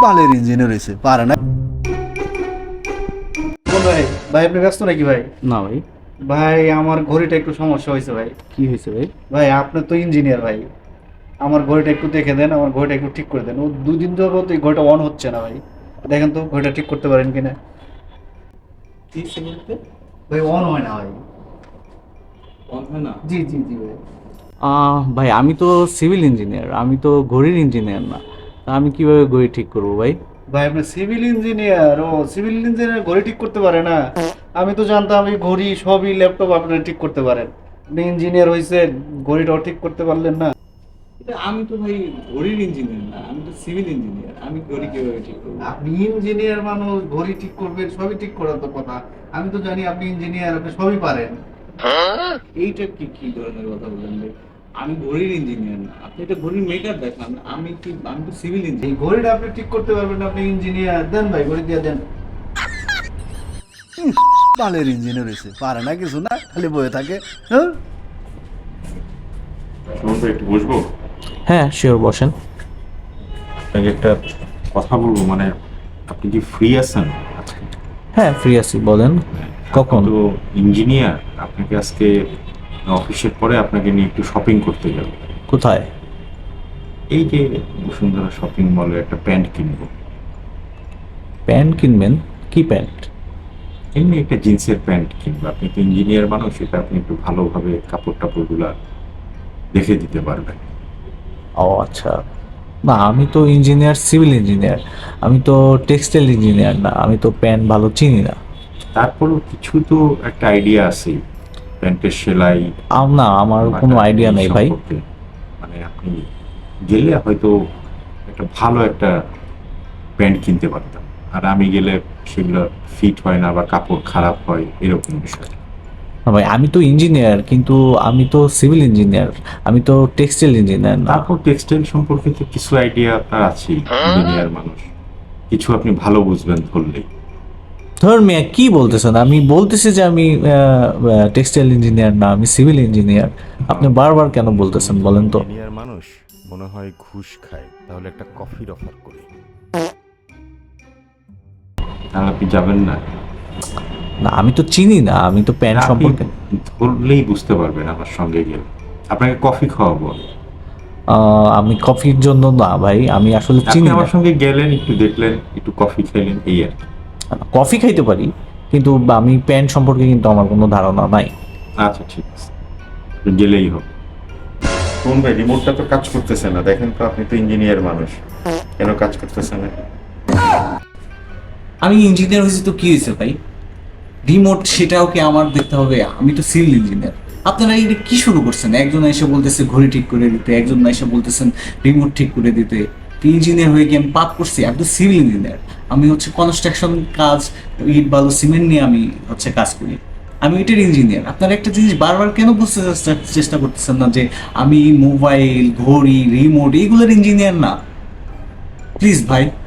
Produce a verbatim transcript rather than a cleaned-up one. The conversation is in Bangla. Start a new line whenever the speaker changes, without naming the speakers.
বালের ইঞ্জিনিয়ার হয়েছে পারে না।
ভাই ভাই আপনি ব্যস্ত নাকি ভাই?
না ভাই।
ভাই আমার ঘড়িটা একটু সমস্যা হয়েছে ভাই।
কি হয়েছে ভাই?
ভাই আপনি তো ইঞ্জিনিয়ার ভাই, আমার ঘড়িটা একটু দেখে দেন, আমার ঘড়িটা একটু ঠিক করে দেন। ও দুদিন যাবত এই ঘড়িটা অন হচ্ছে না ভাই, দেখেন তো ঘড়িটা ঠিক করতে পারেন কিনা। ভাই অন হয় না ভাই।
অন হয় না?
জি জি জি ভাই।
আহ, ভাই আমি তো সিভিল ইঞ্জিনিয়ার, আমি তো ঘড়ির ইঞ্জিনিয়ার না। তা আমি কিভাবে ঘড়ি ঠিক করব ভাই?
ভাই আপনি সিভিল ইঞ্জিনিয়ার? ও সিভিল ইঞ্জিনিয়ার ঘড়ি ঠিক করতে পারে না? আমি তো জানতাম এই ঘড়ি সবই ল্যাপটপ আপনারা ঠিক করতে পারেন। আপনি ইঞ্জিনিয়ার হয়েছেন, ঘড়িটাও ঠিক করতে পারলেন না?
এটা আমি তো ভাই ঘড়ির ইঞ্জিনিয়ার না, আমি তো সিভিল ইঞ্জিনিয়ার, আমি ঘড়ি কিভাবে ঠিক করব?
আপনি ইঞ্জিনিয়ার মানুষ, ঘড়ি ঠিক করবেন, সবই ঠিক করার তো কথা। আমি তো জানি আপনি ইঞ্জিনিয়ার, আপনি সবই পারেন।
এইটা কি কি ধরনের কথা বলেন ভাই? আমি ঘড়ির ইঞ্জিনিয়ার না, আপনি এটা ঘড়ির মেকার দেখান। আমি কি, আমি তো সিভিল
এই
ইঞ্জিনিয়ার।
ঘড়িটা আপনি ঠিক করতে পারবেন না, আপনি ইঞ্জিনিয়ার। দেন ভাই ঘড়ি দিয়ে দেন।
বালের ইঞ্জিনিয়ার হয়েছে পারে না কিছু না, খালি বয়ে থাকে। হ্যাঁ
সুমন ভাই, একটু বসবো?
হ্যাঁ শিওর, বসেন।
আপনাকে একটা কথা বলবো, মানে আপনি কি ফ্রি আছেন আজকে?
হ্যাঁ ফ্রি আছি, বলেন কখন?
আপনি তো ইঞ্জিনিয়ার, আপনাকে আজকে অফিসের পরে আপনাকে নিয়ে একটু শপিং করতে যাব।
কোথায়?
এই যে বসুন্ধরা শপিং মলে একটা প্যান্ট কিনবো।
প্যান্ট কিনবেন? কি প্যান্ট?
এমনি একটা জিন্সের প্যান্ট কিনবো। আপনি তো ইঞ্জিনিয়ার মানুষ, সেটা আপনি একটু ভালোভাবে কাপড় টাপড়গুলা দেখে দিতে পারবেন।
ও আচ্ছা, না আমি তো ইঞ্জিনিয়ার, সিভিল ইঞ্জিনিয়ার, আমি তো টেক্সটাইল ইঞ্জিনিয়ার না, আমি তো প্যান্ট ভালো চিনি না।
তারপরও কিছু তো একটা আইডিয়া আছে, প্যান্টের সেলাই
আম না, আমার
বাটা
কোনো আইডিয়া
এই
নেই ভাই।
সম্পর্কে। মানে আপনি গেলে হয়তো একটা ভালো একটা প্যান্ট কিনতে পারতাম, আর আমি গেলে সেগুলো ফিট হয় না বা কাপড় খারাপ হয়, এরকম বিষয়।
না ভাই, আমি তো ইঞ্জিনিয়ার, কিন্তু আমি তো সিভিল ইঞ্জিনিয়ার, আমি তো টেক্সটাইল ইঞ্জিনিয়ার না।
তারপর টেক্সটাইল সম্পর্কে তো কিছু আইডিয়া আপনার আছেই, ইঞ্জিনিয়ার মানুষ, কিছু আপনি ভালো বুঝবেন ধরলেই।
ধর মিয়া, কি বলতেছেন? আমি বলতেছি যে আমি টেক্সটাইল ইঞ্জিনিয়ার না, আমি সিভিল ইঞ্জিনিয়ার। আপনি বারবার কেন বলতেছেন বলেন তো?
ইঞ্জিনিয়ার মানুষ মনে হয় ঘুষ খায়, তাহলে একটা কফির অফার করি।
তাহলে আপনি যাবেন না?
না আমি তো চিনি না, আমি তো প্যান্ট
আপনি
সম্পর্কে
ধরলেই বুঝতে পারবেন আমার সঙ্গে গেলে। আপনাকে কফি খাওয়াবো।
আহ, আমি কফির জন্য না ভাই, আমি আসলে
আপনি
চিনি না।
আমার সঙ্গে গেলেন, একটু দেখলেন, একটু কফি খেলেন, এই আর কি।
কফি খাইতে পারি, কিন্তু আমি প্যান্ট সম্পর্কে কিন্তু আমার কোনো ধারণা নাই।
আচ্ছা ঠিক আছে, গেলেই হবে। কোন ভাই, রিমোটটা তো কাজ করতেছে না, দেখেন তো, আপনি তো ইঞ্জিনিয়ার মানুষ, কেন কাজ করতেছে না?
আমি ইঞ্জিনিয়ার হয়েছি তো কি হয়েছে ভাই? রিমোট সেটাও কি আমার দেখতে হবে? আমি তো সিভিল ইঞ্জিনিয়ার। আপনারা এটা কি শুরু করছেন? একজন এসে বলতেছে ঘড়ি ঠিক করে দিতে, একজন এসে বলতেছেন রিমোট ঠিক করে দিতে। ইঞ্জিনিয়ার হয়ে কি আমি পাপ করছি? আমি তো সিভিল ইঞ্জিনিয়ার, আমি হচ্ছে কনস্ট্রাকশন কাজ, ইট বালু সিমেন্ট নিয়ে আমি হচ্ছে কাজ করি, আমি এটার ইঞ্জিনিয়ার। আপনারা একটা জিনিস বারবার কেন বুঝতে চেষ্টা- চেষ্টা করতেছেন না যে আমি মোবাইল, ঘড়ি, রিমোট এইগুলোর ইঞ্জিনিয়ার না? প্লিজ ভাই।